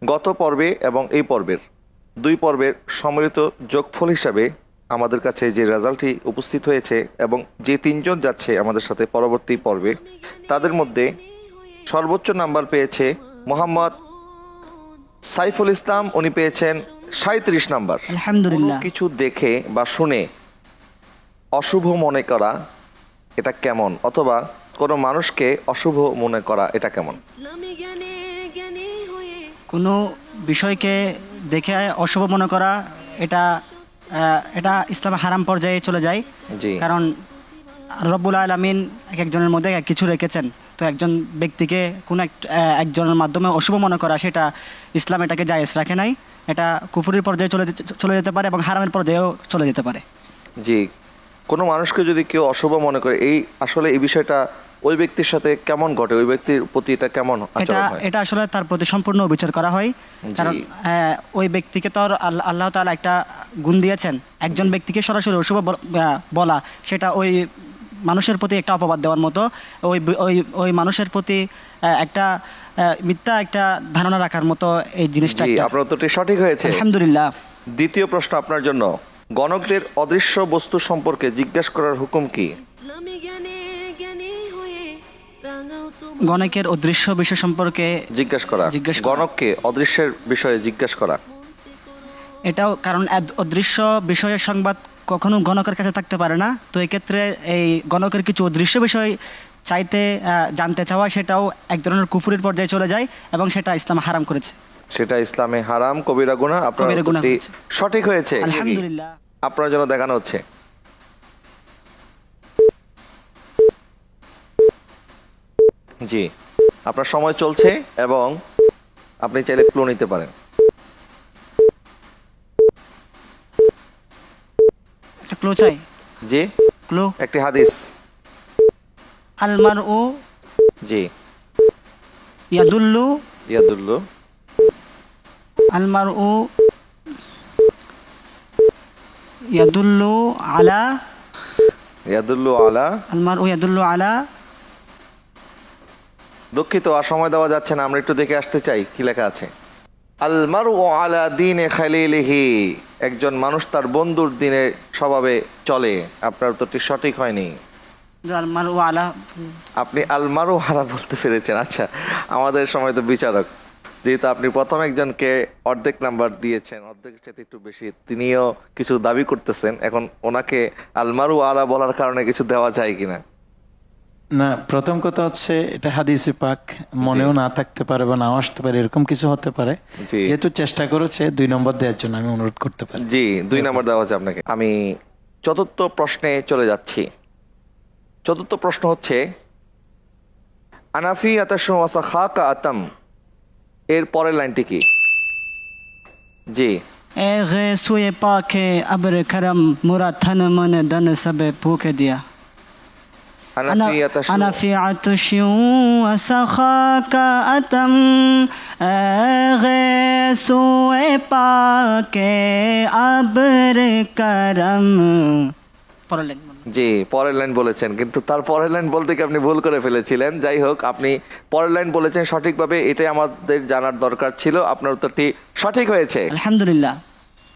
গত পর্বে এবং এই পর্বের দুই পর্বের সম্মিলিত যোগফল হিসাবে আমাদের কাছে যে রেজাল্টটি উপস্থিত হয়েছে এবং যে তিনজন যাচ্ছে আমাদের সাথে পরবর্তী পর্বে, তাদের মধ্যে সর্বোচ্চ নাম্বার পেয়েছে মোহাম্মদ সাইফুল ইসলাম। উনি পেয়েছেন 37 নাম্বার। আলহামদুলিল্লাহ। কোনো কিছু দেখে বা শুনে অশুভ মনে করা এটা কেমন, অথবা কোনো মানুষকে অশুভ মনে করা এটা কেমন? কোনো বিষয়কে দেখে অশুভ মনে করা এটা এটা ইসলামে হারাম পর্যায়ে চলে যায়। জি। কারণ রব্বুল আলামিন এক একজনের মধ্যে এক কিছু রেখেছেন, তো একজন ব্যক্তিকে কোনো একজনের মাধ্যমে অশুভ মনে করা, সেটা ইসলাম এটাকে জায়েজ রাখে নাই। এটা কুফুরির পর্যায়ে চলে যেতে পারে এবং হারামের পর্যায়েও চলে যেতে পারে। জি, কোনো মানুষকে যদি কেউ অশুভ মনে করে, আসলে এই বিষয়টা ওই ব্যক্তির সাথে কেমন ঘটে, ওই ব্যক্তির প্রতি এটা কেমন আচরণ হয়? এটা আসলে তার প্রতি সম্পূর্ণ বিচার করা হয়। কারণ ওই ব্যক্তিকে তো আল্লাহ তাআলা একটা গুণ দিয়েছেন। একজন ব্যক্তিকে সরাসরি অশুভ বলা, সেটা ওই মানুষের প্রতি একটা অপবাদ দেওয়ার মতো। ওই মানুষের প্রতি একটা মিথ্যা একটা ধারণা রাখার মতো এই জিনিসটা। আপনার উত্তরটি সঠিক হয়েছে, আলহামদুলিল্লাহ। দ্বিতীয় প্রশ্ন আপনার জন্য। গণকদের অদৃশ্য বস্তু সম্পর্কে জিজ্ঞাসা করার হুকুম কি? গণকের অদৃশ্য বিষয় সম্পর্কে জিজ্ঞাসা করা, গণককে অদৃশ্যের বিষয়ে জিজ্ঞাসা করা। এটাও কারণ অদৃশ্য বিষয়ের সংবাদ কখনো গণকের কাছে থাকতে পারে না। তো এক্ষেত্রে এই গণকের কিছু অদৃশ্য বিষয় জানতে চাওয়া, সেটাও এক ধরনের কুফুরির পর্যায়ে চলে যায় এবং সেটা ইসলাম হারাম করেছে। সেটা ইসলামে হারাম, কবিরা গুনাহ। আপনার উত্তরটি সঠিক হয়েছে, আলহামদুলিল্লাহ। আপনার জন্য দেখানো হচ্ছে। জি, আপনার সময় চলছে এবং আপনি চাইলে ক্লু নিতে পারেন। একটা ক্লু চাই। জি, ক্লু একটি হাদিস। আলমারউ জি, ইয়াদুল্লু ইয়াদুল্লু আলমারউ ইয়াদুল্লু আলা ইয়াদুল্লু আলা আলমারউ ইয়াদুল্লু আলা। দুঃখিত, আর সময় দেওয়া যাচ্ছে না, আমরা একটু দেখে আসতে চাই কি লেখা আছে। আলমারু আলা দীনে খালিলিহি, একজন মানুষ তার বন্ধুর দিনে স্বভাবে চলে। আপনার উত্তরটি সঠিক হয়নি। আলমারউ আলা, আপনি আলমারু আলা বলতে পেরেছেন। আচ্ছা, আমাদের সময় তো বিচারক, যেহেতু আপনি প্রথম একজনকে অর্ধেক নাম্বার দিয়েছেন, অর্ধেকের সাথে একটু বেশি, তিনিও কিছু দাবি করতেছেন, এখন ওনাকে আলমারু আলা বলার কারণে কিছু দেওয়া যায় কিনা? না, প্রথম কথা হচ্ছে এটা হাদিসে পাক, মনেও না থাকতে পারে বা নাও আসতে পারে, এরকম কিছু হতে পারে। যেহেতু চেষ্টা করেছে 2 নম্বর দেওয়ার জন্য, আমি অনুরোধ করতে পারি। জি, 2 নম্বর দেওয়া হচ্ছে আপনাকে। আমি চতুর্থ প্রশ্নে চলে যাচ্ছি। চতুর্থ প্রশ্ন হচ্ছে আনাফি আতাশু ওয়াসা খাকা আতাম, এর পরের লাইনটি কি? জি, এ গে সুয়ে পাকে আবরে করম মুরা থন মন দন সবে ফুকে দিয়া। أنا في عطش وسخاك أتم غيث পাক আবর করম। জি, পরের লাইন বলেছেন, কিন্তু তার পরের লাইন বলতে কি আপনি ভুল করে ফেলেছিলেন। যাই হোক, আপনি পরের লাইন বলেছেন সঠিকভাবে, এটাই আমাদের জানার দরকার ছিল। আপনার উত্তরটি সঠিক হয়েছে, আলহামদুলিল্লাহ।